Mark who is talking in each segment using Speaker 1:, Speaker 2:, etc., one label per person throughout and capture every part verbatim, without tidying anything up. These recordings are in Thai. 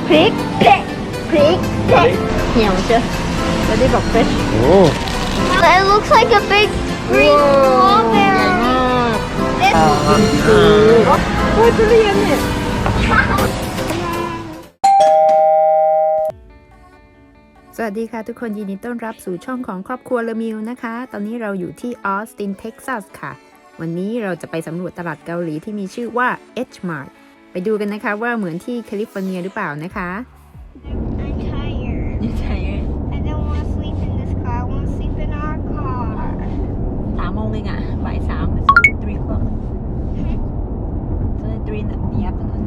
Speaker 1: พริกเผ็ดพริกเผ็ดเหี่ยวเจ้ะแล้วได้บอก fresh
Speaker 2: Oh.
Speaker 1: It looks like a big green strawberry โอ้ยทุเรียนเนี่ยสวัสดีค่ะทุกคนยินดีต้อนรับสู่ช่องของครอบครัวเลอมิวนะคะตอนนี้เราอยู่ที่ออสตินเท็กซัสค่ะวันนี้เราจะไปสำรวจตลาดเกาหลีที่มีชื่อว่า H Mart ไปดูกันนะคะว่าเหมือนที่แคลิฟอร์เนียหรือเปล่านะคะ
Speaker 3: I'm tired.
Speaker 1: You're tired?
Speaker 3: I don't want to sleep in this car. I want to sleep in our car.
Speaker 1: สามโมงเองอ่ะบ่ายสาม so three o'clock so three in the afternoon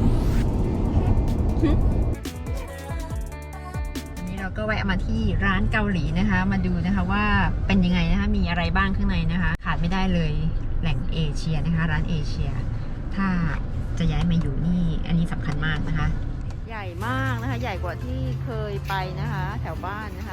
Speaker 1: วันนี้เราก็แวะมาที่ร้านเกาหลีนะคะ มาดูนะคะว่าเป็นยังไงนะคะมีอะไรบ้างข้างในนะคะ ขาดไม่ได้เลยแหล่งเอเชียนะคะ ร้านเอเชีย ถ้าจะย้ายมาอยู่นี่อันนี้สำคัญมากนะคะ ใหญ่มากนะคะ ใหญ่กว่าที่เคยไปนะคะ แถวบ้านนะคะ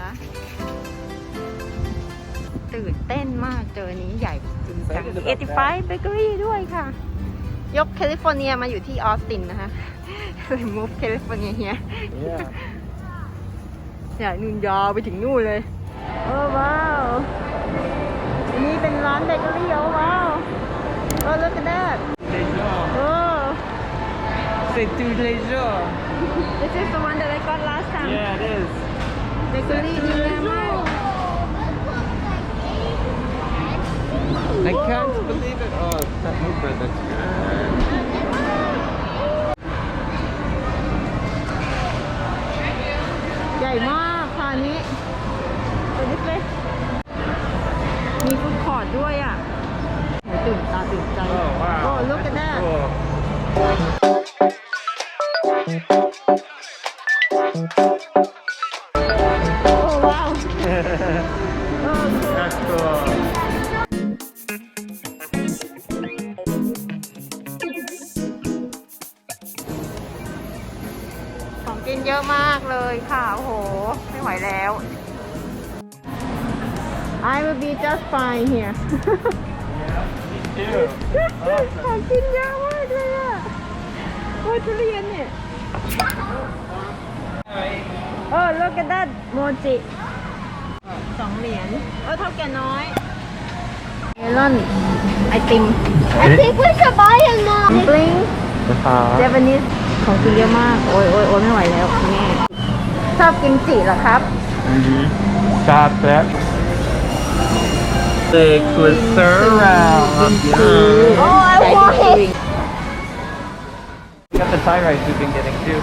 Speaker 1: ตื่นเต้นมากเจอนี้ใหญ่จริงจังเอติไฟเบเกอรี่ด้วยค่ะ ยกแคลิฟอร์เนียมาอยู่ที่ออสตินนะคะเลย move แคลิฟอร์เนียเฮีย
Speaker 2: Yeah.
Speaker 1: ใหญ่นู่นยาวไปถึงนู่นเลยโอ้ว้าวอันนี้เป็นร้านเบเกอรี่โอ้ว้าวโอ้ look at that โอ้
Speaker 2: C'est tous les jours.
Speaker 1: this is the one that I got last time
Speaker 2: Yeah, it is.
Speaker 1: เบเกอรี่ดีมาก
Speaker 2: I can't believe it. Oh, that movement, that's good.
Speaker 1: ใหญ่มากค่ะอันนี้ตัวนี้เลยมีฟู้ดคอร์ทด้วยอ่ะโหตื่นตาตื่นใจ
Speaker 2: Oh, wow.
Speaker 1: โอ้ look at that
Speaker 2: Cool.
Speaker 1: Oh wow Oh cool
Speaker 2: That's cool.
Speaker 1: ของกินเยอะมากเลยค่ะโอ้โหไม่ไหวแล้ว I will be just fine here
Speaker 2: Me too.
Speaker 1: ของกินเยอะมากเลยอ่ะโอ้ยทุเรียนเนี่ยเออ look at that โมจิสองเหรียญเออเท่าแก่น้อยเมลอนไอติม
Speaker 3: I think we should buy it now.
Speaker 1: บลิง
Speaker 2: Uh-huh.
Speaker 1: เจแปนิสของกินเยอะมาก โอ้ยโอ้ยโอ้ยไม่ไหวแล้วคุณแม่ชอบกินจิเหรอครับ
Speaker 2: Mm-hmm. Stop that. The closer around. Yeah.
Speaker 3: Oh, I want it.
Speaker 2: Got the Thai rice we've been getting too.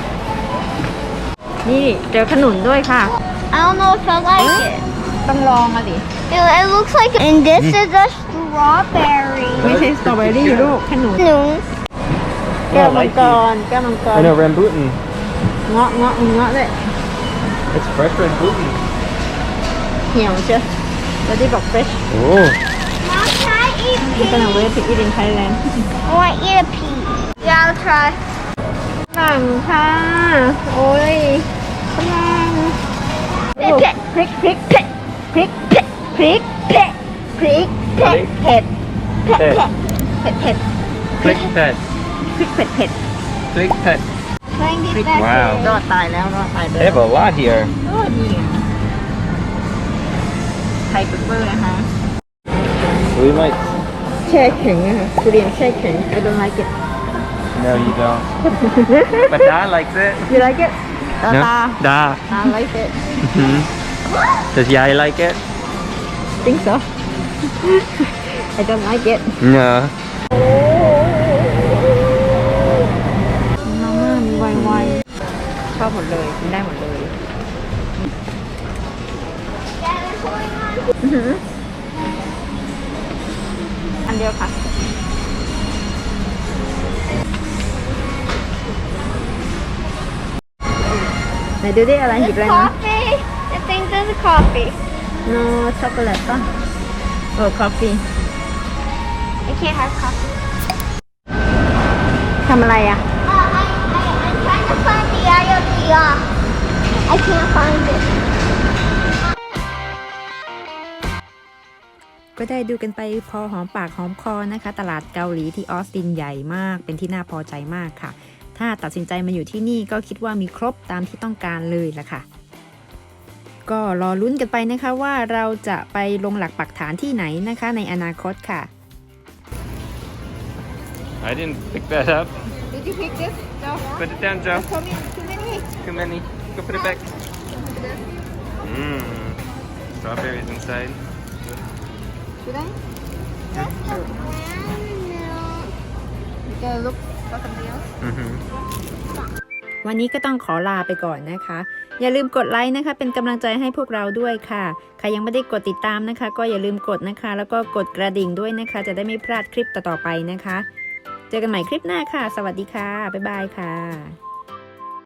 Speaker 1: นี่เจอขนุนด้วยค่ะ
Speaker 3: I don't know if I like it.
Speaker 1: ต้องลองมาดิ
Speaker 3: It, it looks like, and this is a strawberry.
Speaker 1: ไม่ใช่สตรอเบอรี่ลูกขนุน
Speaker 3: No.
Speaker 1: แก้วมังกรแก้วมังกร
Speaker 2: I know, rambutan.
Speaker 1: เงาะเงาะมีเงาะด้วย
Speaker 2: It's fresh rambutan.
Speaker 1: เหี่ยวเชียวแล้วที่บอก fresh
Speaker 2: Oh.
Speaker 3: Mom, can I eat
Speaker 1: I'm
Speaker 3: pea?
Speaker 1: gonna wait to eat in Thailand
Speaker 3: I want to eat a pea. Yeah, I'll try.
Speaker 1: ฝรั่งค่ะ โอ้ยฝรั่ง
Speaker 3: เผ็ด
Speaker 1: พริกพริกเผ็ดพริกเผ็ดพริกเผ็ดพริกเผ็ดเผ็ดเผ็ดเผ็ดเผ็ด
Speaker 2: Click pet.
Speaker 1: พริกเผ็ดเผ็ด
Speaker 2: Click pet.
Speaker 3: Trying to get back
Speaker 2: Wow.
Speaker 1: รอดตายแล้วรอดตายไป
Speaker 2: They
Speaker 1: แล้ว
Speaker 2: have a lot here.
Speaker 1: โอ้นี่ไทยเปเปอร์นะคะ
Speaker 2: We might.
Speaker 1: แช่แข็งอะค่ะทุเรียนแช่แข็ง I don't like it
Speaker 2: No, you don't. But Dad likes it.
Speaker 1: you like it ตา
Speaker 2: No?
Speaker 1: ตา
Speaker 2: Da.
Speaker 1: ตา like it
Speaker 2: Mhm. Does Yai like it?
Speaker 1: think so I don't like it
Speaker 2: No.
Speaker 1: มาม่ามีไวไวชอบหมดเลยกินได้หมดเลย อื้อหืออันเดียวค่ะไหนดูดิอะไรหยิบอะไร
Speaker 3: This
Speaker 1: มา
Speaker 3: coffee. I think there's a coffee.
Speaker 1: no ช็อกโกแลตป่ะโอ้ coffee
Speaker 3: I can't have coffee.
Speaker 1: ทำอะไรอ่ะ
Speaker 3: Uh, I, I, I'm trying to find the I O T uh, I can't find it.
Speaker 1: ก็ได้ดูกันไปพอหอมปากหอมคอนะคะ ตลาดเกาหลีที่ออสตินใหญ่มากเป็นที่น่าพอใจมากค่ะถ้าตัดสินใจมาอยู่ที่นี่ก็คิดว่ามีครบตามที่ต้องการเลยล่ะค่ะก็รอลุ้นกันไปนะคะว่าเราจะไปลงหลักปักฐานที่ไหนนะคะในอนาคตค่ะ
Speaker 2: I didn't pick that up.
Speaker 1: Did you pick this? No.
Speaker 2: Put it down, Joe.
Speaker 1: Too many.
Speaker 2: Too many. Go put it back. Mmm. Strawberries inside.
Speaker 1: Should I?
Speaker 3: Just a brand new.
Speaker 1: You gotta look for something else.
Speaker 2: Mm-hmm.
Speaker 1: วันนี้ก็ต้องขอลาไปก่อนนะคะ อย่าลืมกดไลค์นะคะ เป็นกำลังใจให้พวกเราด้วยค่ะ ใครยังไม่ได้กดติดตามนะคะ ก็อย่าลืมกดนะคะ แล้วก็กดกระดิ่งด้วยนะคะ จะได้ไม่พลาดคลิปต่อๆไปนะคะ เจอกันใหม่คลิปหน้าค่ะ สวัสดีค่ะ บ๊ายบายค่ะ